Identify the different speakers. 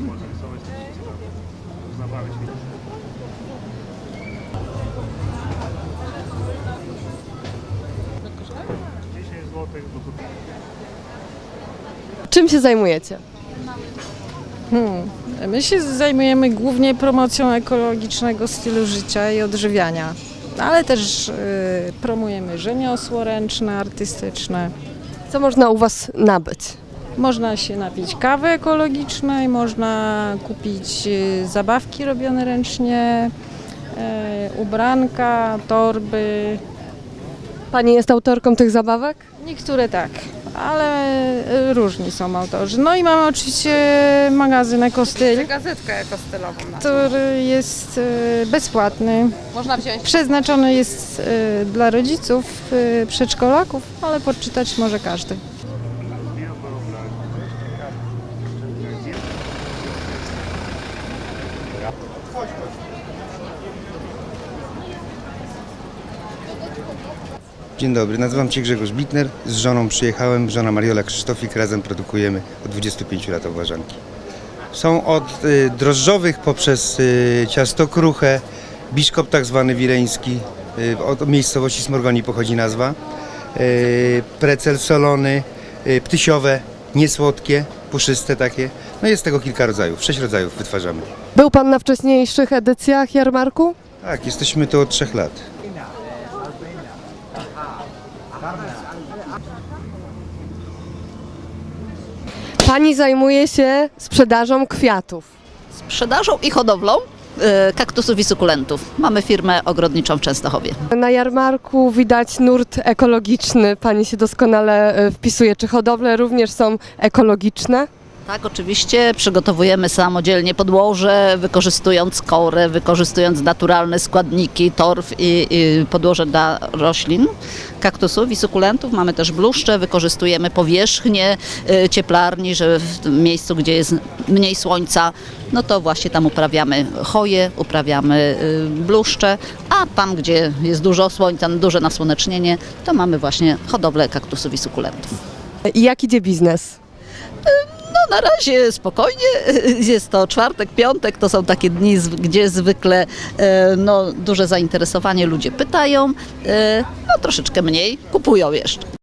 Speaker 1: Można rysować zabawy się.
Speaker 2: Czym się zajmujecie?
Speaker 3: My się zajmujemy głównie promocją ekologicznego stylu życia i odżywiania, ale też promujemy rzemiosło ręczne, artystyczne.
Speaker 2: Co można u Was nabyć?
Speaker 3: Można się napić kawy ekologicznej, można kupić zabawki robione ręcznie, ubranka, torby.
Speaker 2: Pani jest autorką tych zabawek?
Speaker 3: Niektóre tak, ale różni są autorzy. No i mamy oczywiście magazyn Ekostyl,
Speaker 4: Gazetkę ekostylową.
Speaker 3: który jest bezpłatny.
Speaker 4: Można wziąć.
Speaker 3: Przeznaczony jest dla rodziców, przedszkolaków, ale poczytać może każdy.
Speaker 5: Dzień dobry, nazywam się Grzegorz Bitner. Z żoną przyjechałem, żona Mariola Krzysztofik. Razem produkujemy od 25 lat owłażanki. Są od drożdżowych poprzez ciasto kruche, biszkop tak zwany wileński, od miejscowości Smorgoni pochodzi nazwa, precel solony, ptysiowe, niesłodkie, puszyste takie. No jest tego kilka rodzajów, 6 rodzajów wytwarzamy.
Speaker 2: Był Pan na wcześniejszych edycjach jarmarku?
Speaker 5: Tak, jesteśmy tu od 3 lat.
Speaker 2: Pani zajmuje się sprzedażą kwiatów.
Speaker 6: Sprzedażą i hodowlą kaktusów i sukulentów. Mamy firmę ogrodniczą w Częstochowie.
Speaker 2: Na jarmarku widać nurt ekologiczny. Pani się doskonale wpisuje. Czy hodowle również są ekologiczne?
Speaker 6: Tak, oczywiście przygotowujemy samodzielnie podłoże, wykorzystując korę, wykorzystując naturalne składniki, torf i podłoże dla roślin, kaktusów i sukulentów. Mamy też bluszcze, wykorzystujemy powierzchnię cieplarni, że w tym miejscu, gdzie jest mniej słońca, no to właśnie tam uprawiamy choje, uprawiamy bluszcze, a tam, gdzie jest dużo słońca, duże nasłonecznienie, to mamy właśnie hodowlę kaktusów i sukulentów.
Speaker 2: I jak idzie biznes?
Speaker 6: No na razie spokojnie, jest to czwartek, piątek, to są takie dni, gdzie zwykle duże zainteresowanie, ludzie pytają, no troszeczkę mniej, kupują jeszcze.